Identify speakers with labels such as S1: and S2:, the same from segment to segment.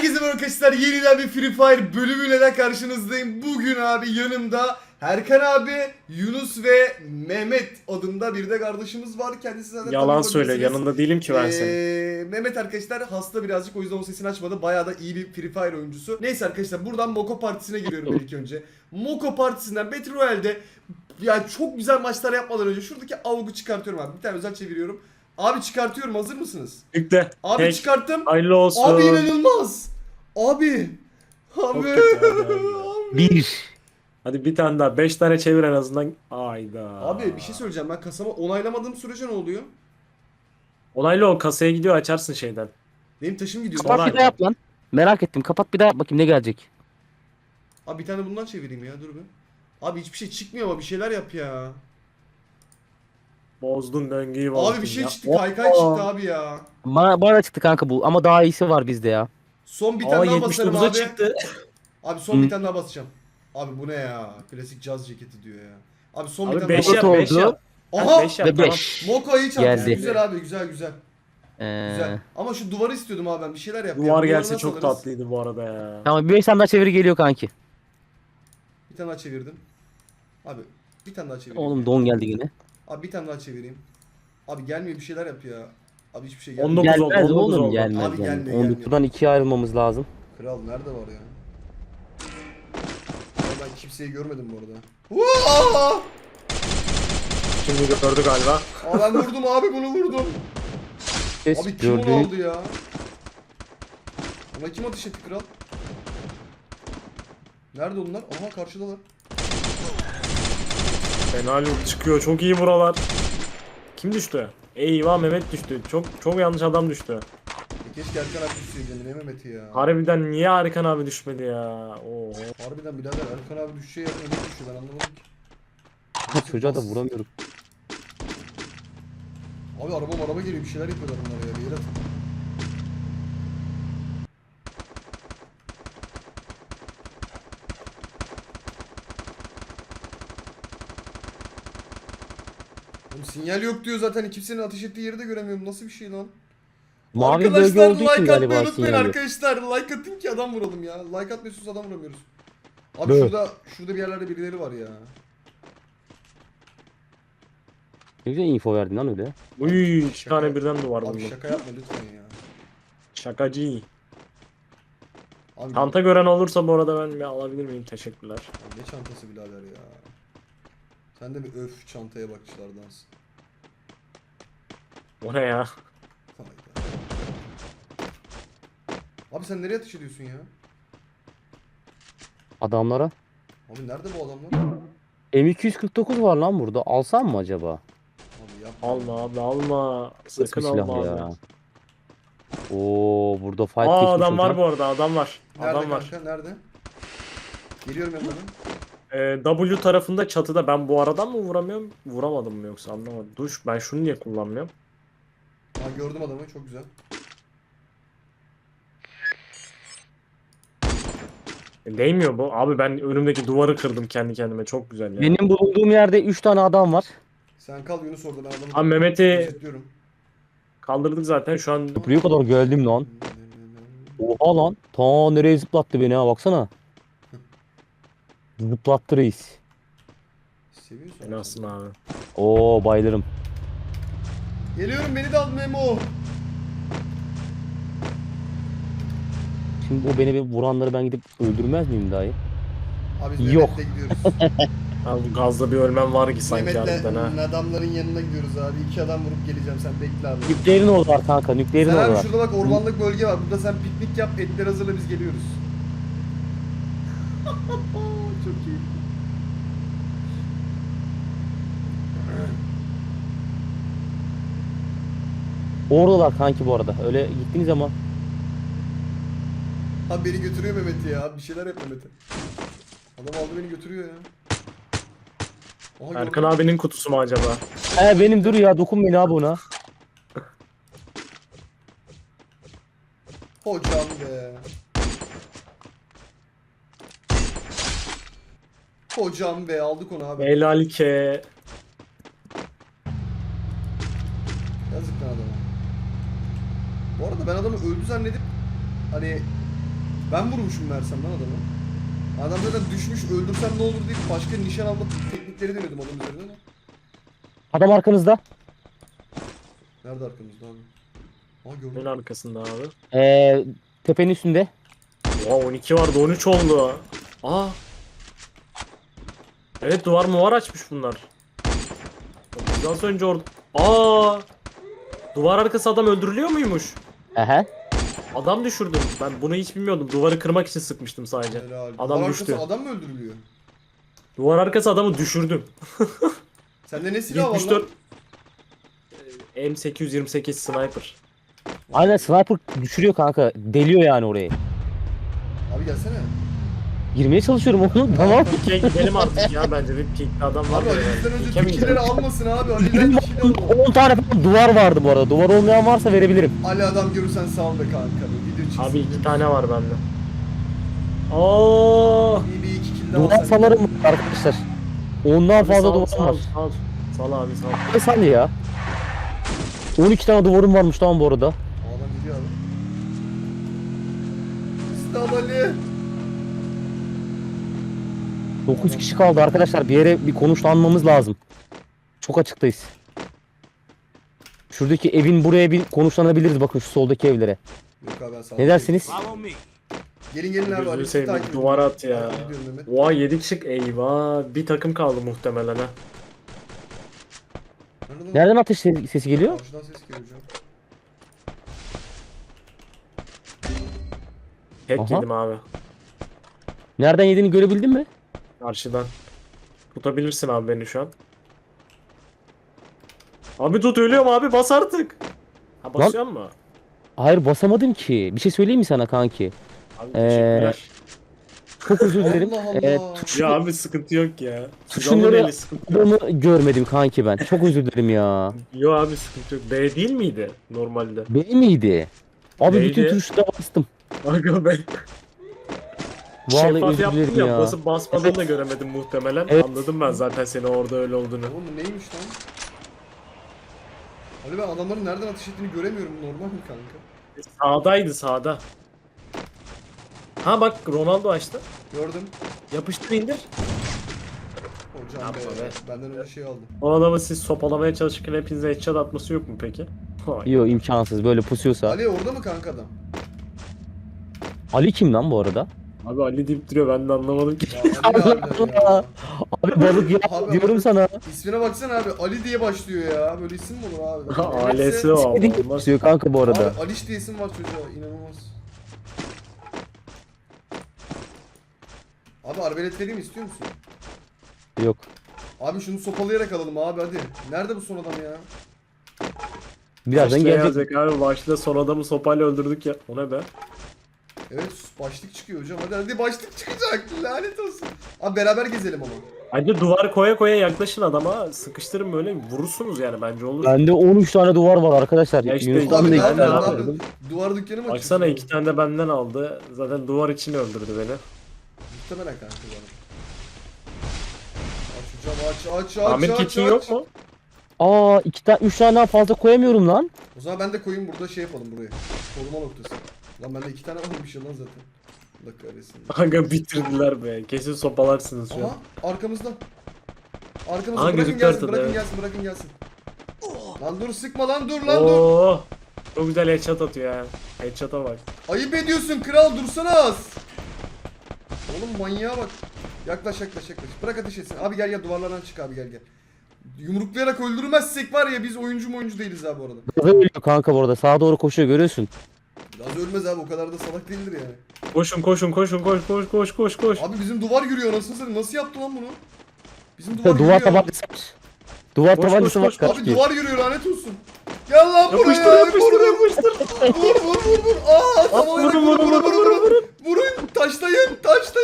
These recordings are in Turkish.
S1: Herkese merhaba arkadaşlar, yeniden bir Free Fire bölümüyle de karşınızdayım. Bugün abi yanımda Erkan abi, Yunus ve Mehmet adında bir de kardeşimiz var. Kendisi zaten
S2: Yalan
S1: tanıyor
S2: söyle,
S1: olabilirsiniz.
S2: yanında değilim ki ben senin.
S1: Mehmet arkadaşlar hasta birazcık, o yüzden o sesini açmadı. Bayağı da iyi bir Free Fire oyuncusu. Neyse arkadaşlar, buradan Moko Partisi'ne giriyorum ilk önce. Moko Partisi'nden Battle Royale'de yani çok güzel maçlar yapmadan önce şuradaki AUG'u çıkartıyorum abi. Bir tane özel çeviriyorum. Abi çıkartıyorum, hazır mısınız?
S2: Yükle.
S1: Abi
S2: Tek.
S1: çıkarttım.
S2: Hayırlı olsun.
S1: Abi inanılmaz. Abi.
S2: Çok
S1: Abi.
S2: kötü abi.
S1: Abi.
S3: Bir.
S2: Hadi bir tane daha. 5 tane çevir en azından. Ayda.
S1: Abi bir şey söyleyeceğim, ben kasama onaylamadığım sürece ne oluyor?
S2: Onaylı ol, kasaya gidiyor, açarsın şeyden.
S1: Benim taşım gidiyor.
S2: Sonra-
S3: Kapat bir daha yap lan. Merak ettim. Kapat bir daha yap bakayım ne gelecek.
S1: Abi bir tane bundan çevireyim ya, dur bir. Abi hiçbir şey çıkmıyor ama bir şeyler yap ya.
S2: Bozdun döngüyü bozdun
S1: Abi bir şey
S2: ya.
S1: çıktı, kaykay çıktı abi ya.
S3: Bana çıktı kanka bu ama daha iyisi var bizde ya.
S1: Son bir
S2: Aa,
S1: tane daha basarım
S2: 79'a
S1: abi.
S2: çıktı.
S1: Abi son
S3: Hı.
S1: bir tane daha basacağım. Abi bu ne ya? Klasik caz ceketi diyor ya. Abi son bir
S2: Abi
S1: tane
S2: 5
S1: daha
S3: Dört
S2: yap,
S3: oldu.
S2: 5 yap.
S1: Aha!
S2: 5 yap,
S3: Ve
S2: tamam.
S3: 5.
S1: Moko iyi çantası.
S3: Geldi.
S1: Güzel abi, güzel güzel. Güzel. Ama şu duvarı istiyordum abi, ben bir şeyler yap. ya.
S2: Duvar
S1: Duvarı
S2: gelse
S1: nasıl
S2: çok
S1: alırız?
S2: tatlıydı bu arada ya.
S3: Tamam bir 5 tane daha çeviri geliyor kanki.
S1: Bir tane daha çevirdim. Abi bir tane daha çevireyim.
S3: Oğlum don geldi yine.
S1: Abi bir tane daha çevireyim. Abi gelmiyor, bir şeyler yap ya. Abi hiçbir şey gelmiyor.
S2: 19 oldu,
S3: Gelmez
S2: 19
S3: oğlum
S2: oldu.
S3: gelmez.
S1: Abi
S3: gelmez.
S1: gelmiyor, gelmiyor.
S3: 19'dan 2'ye ayrılmamız lazım.
S1: Kral nerede var ya? Abi ben kimseyi görmedim bu arada. Uaa!
S2: Şimdi gördü galiba.
S1: Aa ben vurdum abi, bunu vurdum.
S3: Ses
S1: Abi kim onu
S3: gördüğün
S1: aldı ya? Ona kim ateş etti kral? Nerede onlar? Aha karşıdalar.
S2: Fena loot çıkıyor, çok iyi buralar. Kim düştü? Eyvah, Mehmet düştü. Çok yanlış adam düştü.
S1: Keşke Erkan abi düşseydi, ne Mehmet'i ya.
S2: Harbiden niye Erkan abi düşmedi ya? Oo.
S1: Harbiden birader, Erkan abi düşeceği yerine ne düşüyor, ben anlamadım ki.
S3: çocuğa da vuramıyorum.
S1: Abi araba geliyor, bir şeyler yapıyorlar bunlar ya, bir yere atın. Oğlum sinyal yok diyor zaten, kimsenin ateş ettiği yeri de göremiyorum, nasıl bir şey lan?
S3: Mavi bölge
S1: Arkadaşlar
S3: olduğu için
S1: like atmayı
S3: galiba
S1: unutmayın
S3: sinyal yok.
S1: arkadaşlar, like atın ki adam vuralım ya, like atmıyorsunuz adam vuramıyoruz. Abi
S3: Evet.
S1: şurada bir yerlerde birileri var ya.
S3: Ne güzel info verdin lan öyle.
S2: Uy, iki
S1: Şaka-
S2: tane birden duvar
S1: Abi
S2: buldum.
S1: şaka yapma lütfen ya.
S2: Şakacı.
S1: Abi,
S2: Çanta gören olursa bu arada ben bir alabilir miyim? Teşekkürler.
S1: abi ne çantası birader ya. Sen de bir öf çantaya bakıcılardansın.
S2: O ne ya?
S1: Hayda. Abi sen nereye ateş ediyorsun ya?
S3: Adamlara.
S1: Abi nerede bu adamlar?
S3: M249 var lan burada. Alsam mı acaba?
S1: Abi yapma.
S2: Alma abi, alma. Sakın
S3: Nasıl bir
S2: alma
S3: silah
S2: abi.
S3: ya? Oo burada fight
S2: Aa,
S3: geçmiş
S2: adam var
S3: hocam.
S2: bu arada, adam var.
S1: Nerede
S2: Adam var.
S1: kanka, nerede? Geliyorum yanına.
S2: W tarafında çatıda. Ben bu aradan mı vuramıyorum? Vuramadım mı yoksa, anlamadım. Dur, ben şunu niye kullanmıyorum?
S1: Ha gördüm adamı, çok güzel.
S2: Değmiyor bu. Abi ben önümdeki duvarı kırdım kendi kendime. Çok güzel ya.
S3: Benim bulunduğum yerde 3 tane adam var.
S1: Sen kal Yunus orada, ben adamı
S2: Abi Mehmet'i
S1: gözetliyorum.
S2: kaldırdık zaten şu an.
S3: Buraya kadar geldim lan. Oha lan. Ta nereye zıplattı beni ha baksana. Zıplattı reis.
S1: Seviyorsun.
S2: Fenasın abi.
S3: Oo bayılırım.
S1: Geliyorum, beni de al Memo.
S3: Şimdi o beni bir vuranları ben gidip öldürmez miyim dahi?
S1: Abi biz
S3: Yok.
S1: Mehmet'le gidiyoruz.
S2: Abi bu gazda bir ölmem var ki sanki harbiden ha.
S1: Mehmet'le adamların yanına gidiyoruz abi. 2 adam vurup geleceğim, sen bekle abi.
S3: Nükleerin oradalar kanka. Nükleerin
S1: Sen abi
S3: oradalar.
S1: şurada bak, ormanlık bölge var. Burada sen piknik yap, etler hazırla, biz geliyoruz. Çok iyi.
S3: Oradalar kanki bu arada. Öyle gittiniz ama.
S1: Abi beni götürüyor Mehmet ya. Bir şeyler yap Mehmet'e. Adam aldı beni götürüyor ya. Aha,
S2: Erkan
S1: gördüm.
S2: abinin kutusu mu acaba?
S3: Benim dur ya dokunmayın abi ona.
S1: Hocam be. Hocam be, aldık onu abi.
S2: Helalike.
S1: Yazık lan adama. Bu arada ben adamı öldü zannedip hani Ben vurmuşum versem lan adamı. Adam zaten düşmüş, öldürsem ne olur deyip başka nişan alma teknikleri denedim onun üzerine ama.
S3: Adam arkanızda.
S1: Nerede arkamızda abi? Aa
S2: Neyin
S1: gördüm.
S2: arkasında abi?
S3: Tepenin üstünde.
S2: Oha 12 vardı 13 oldu. Aa. Evet duvar mı var açmış bunlar. Biraz önce orada. Aa. Duvar arkası adam öldürülüyor muymuş?
S3: Ehe.
S2: Adam düşürdüm. Ben bunu hiç bilmiyordum. Duvarı kırmak için sıkmıştım sadece.
S1: Helal.
S2: Adam
S1: Duvar
S2: düştü.
S1: arkası adam mı öldürülüyor?
S2: Duvar arkası adamı düşürdüm.
S1: Sende ne silah var lan?
S2: 74 M828 sniper.
S3: Aynen sniper düşürüyor kanka. Deliyor yani orayı.
S1: Abi gelsene.
S3: Girmeye çalışıyorum oğlum. Tamam.
S2: Pik'e gidelim artık ya bence bir Pik'te adam var.
S1: Abi
S2: ya.
S1: Ali'den önce
S2: Pik'e mi
S1: Türkçileri
S2: gidelim?
S1: almasın abi. Ali'den kişileri alalım.
S3: 10 tane falan duvar vardı bu arada. Duvar olmayan varsa verebilirim.
S1: Ali adam görürsen sal be kanka. Video çıksın.
S2: Abi 2 tane var bende. Oo.
S1: İyi bir iki kill daha
S3: Duvar
S1: sen.
S3: salarım var arkadaşlar. Ondan
S2: Abi
S3: fazla
S2: sal,
S3: duvar
S2: sal,
S3: var.
S2: sal. Sal abi sal.
S3: Ne saniye ya? 12 tane duvarım varmış tamam bu arada.
S1: Adam gidiyor abi. İslam Ali.
S3: 9 kişi kaldı arkadaşlar. Bir yere bir konuşlanmamız lazım. Çok açıktayız. Şuradaki evin buraya bir konuşlanabiliriz bakın şu soldaki evlere.
S1: Yok abi ben sağ
S3: Ne dersiniz?
S1: Gelin gelin abi.
S2: Gözünü
S1: Ali
S2: seveyim,
S1: takip edin.
S2: duvara at ya.
S1: Takip ediyorum Mehmet.
S2: Oha 7 kişi eyvah. Bir takım kaldı muhtemelen ha.
S1: Nerede lan?
S3: Nereden ateş sesi geliyor?
S1: Karşıdan ses geliyor hocam.
S2: Tek
S3: Aha.
S2: yedim abi.
S3: Nereden yediğini görebildin mi?
S2: Karşıdan. Tutabilirsin abi beni şu an. Abi tut ölüyorum abi bas artık. Ha basıyor mu?
S3: Hayır basamadım ki. Bir şey söyleyeyim mi sana kanki?
S2: Abi teşekkürler.
S3: Çok özür dilerim.
S1: Allah Allah.
S2: Ya abi sıkıntı yok ya. Siz
S3: Tuşları-
S2: alın eli sıkıntı yok.
S3: Adamı görmedim kanki ben. Çok özür dilerim ya.
S2: Yo abi sıkıntı yok. B değil miydi normalde?
S3: Benim miydi? Abi
S2: Neydi?
S3: bütün tuşlara bastım.
S2: Aga ben
S3: Vallahi
S2: şeffaf
S3: özür
S2: yaptım
S3: dilerim
S2: ya.
S3: ya.
S2: Basıp basmadığını da göremedim muhtemelen.
S3: Evet.
S2: Anladım ben zaten seni orada öyle olduğunu.
S1: Oğlum bu neymiş lan? Ali ben adamların nereden ateş ettiğini göremiyorum. Normal mi kanka?
S2: Sağdaydı sağda. Ha bak Ronaldo açtı.
S1: Gördüm.
S2: Yapıştır indir.
S1: Hocam
S2: Yapma be.
S1: benden öyle şey aldım.
S2: O adamı siz sopalamaya çalışırken hepinize headshot atması yok mu peki? Hayır.
S3: Yok imkansız böyle pusuyorsa.
S1: Ali orada mı kanka adam?
S3: Ali kim lan bu arada?
S2: Abi Ali deyip duruyor ben de anlamadım ki.
S1: Ya Ali harbiden ya.
S3: Abi balık ya
S1: Abi
S3: diyorum
S1: ama-
S3: sana.
S1: İsmine baksana abi. Ali diye başlıyor ya. Böyle isim mi olur abi?
S2: Ailesi o
S3: Sevdiğin
S2: ama olmaz.
S3: pusuyor kanka bu arada.
S1: Abi Aliş diye isim var çocuğa. İnanılmaz. Abi arbelet vereyim mi, istiyor musun?
S3: Yok.
S1: Abi şunu sopalayarak alalım abi hadi. Nerede bu son adam ya?
S3: Birazdan
S2: Başta
S3: gelecek.
S2: yazacak abi başta son adamı sopayla öldürdük ya. O ne be?
S1: Evet başlık çıkıyor hocam. Hadi başlık çıkacak. Lanet olsun. Abi beraber gezelim ama.
S2: Bence duvar koya koya yaklaşın adama. Sıkıştırın böyle vurursunuz yani bence olur.
S3: Bende 13 tane duvar var arkadaşlar.
S2: Ya işte
S3: Yunus'tan
S1: Abi
S3: da
S1: ne
S2: ben
S3: iki
S2: de
S1: yapıyorsun
S3: tane
S2: abi.
S3: var.
S1: abi? Duvar dükkanı mı
S2: Baksana
S1: açıyorsun?
S2: 2 tane de benden aldı. Zaten duvar için öldürdü beni.
S1: Muhtemelen kanka bu arada. Aç hocam aç aç
S2: Ahmet
S1: aç
S2: kitin
S1: aç.
S2: yok mu?
S3: Aa 2 tane 3 tane daha fazla koyamıyorum lan.
S1: O zaman ben de koyayım burada şey yapalım buraya. Koruma noktası. Lan bende 2 tane varmış ya lan zaten. Allah kahretsin.
S2: Aga bitirdiler be. Kesin sopalarsınız şu an.
S1: Aha arkamızda. Arkamızda
S2: Aha,
S1: bırakın
S2: gözüktü
S1: gelsin
S2: ortada,
S1: bırakın
S2: evet.
S1: gelsin bırakın gelsin. Lan dur sıkma lan dur lan dur.
S2: Oo. Çok güzel headshot atıyor ya. Headshot'a bak.
S1: Ayıp ediyorsun kral dursana az. Oğlum manyağa bak. Yaklaş yaklaş yaklaş. Bırak ateş etsin. Abi gel gel duvarlardan çık abi gel gel. Yumruklayarak öldürmezsek var ya biz oyuncu değiliz abi bu arada.
S3: Gaza ölüyor kanka bu arada. Sağa doğru koşuyor görüyorsun.
S1: Biraz ölmez abi o kadar da salak değildir yani.
S2: Koşun koşun koşun koş koş koş koş koş.
S1: Abi bizim duvar yürüyor anasını satayım. Nasıl yaptı lan bunu? Bizim duvar
S3: Duvar
S1: yürüyor.
S3: tabancası var. Duvar
S2: Koş,
S3: tabancası
S2: koş,
S3: var
S2: koş.
S1: Abi
S3: kaç
S1: duvar yürüyor lanet olsun. Gel lan buraya.
S2: Yapıştır yapıştır yapıştır.
S1: Vur. Aa tamam
S2: vurun, vurun, vurun.
S1: Vurun taşlayın.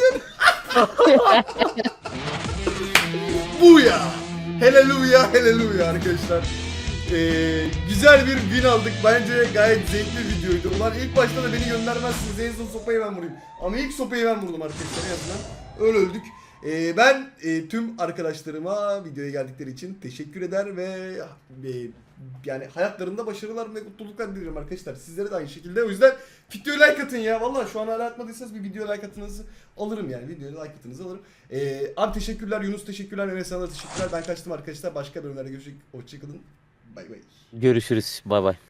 S1: Bu ya. Haleluya arkadaşlar. Güzel bir gün aldık. Bence gayet zevkli bir videoydu. Ulan ilk başta da beni göndermezsiniz. En son sopayı ben vurayım. Ama ilk sopayı ben vurdum arkadaşlar en azından. Öyle öldük. Ben tüm arkadaşlarıma videoya geldikleri için teşekkür eder ve yani hayatlarında başarılar ve mutluluklar diliyorum arkadaşlar. Sizlere de aynı şekilde. O yüzden videoya like atın ya. Vallahi şu an hala atmadıysanız bir video like atınızı alırım yani. Videoya like atınızı alırım. Abi teşekkürler. Yunus teşekkürler. Enes sana da teşekkürler. Ben kaçtım arkadaşlar. Başka bölümlerde görüşecek. Hoşçakalın. Bay bay.
S3: Görüşürüz. Bay bay.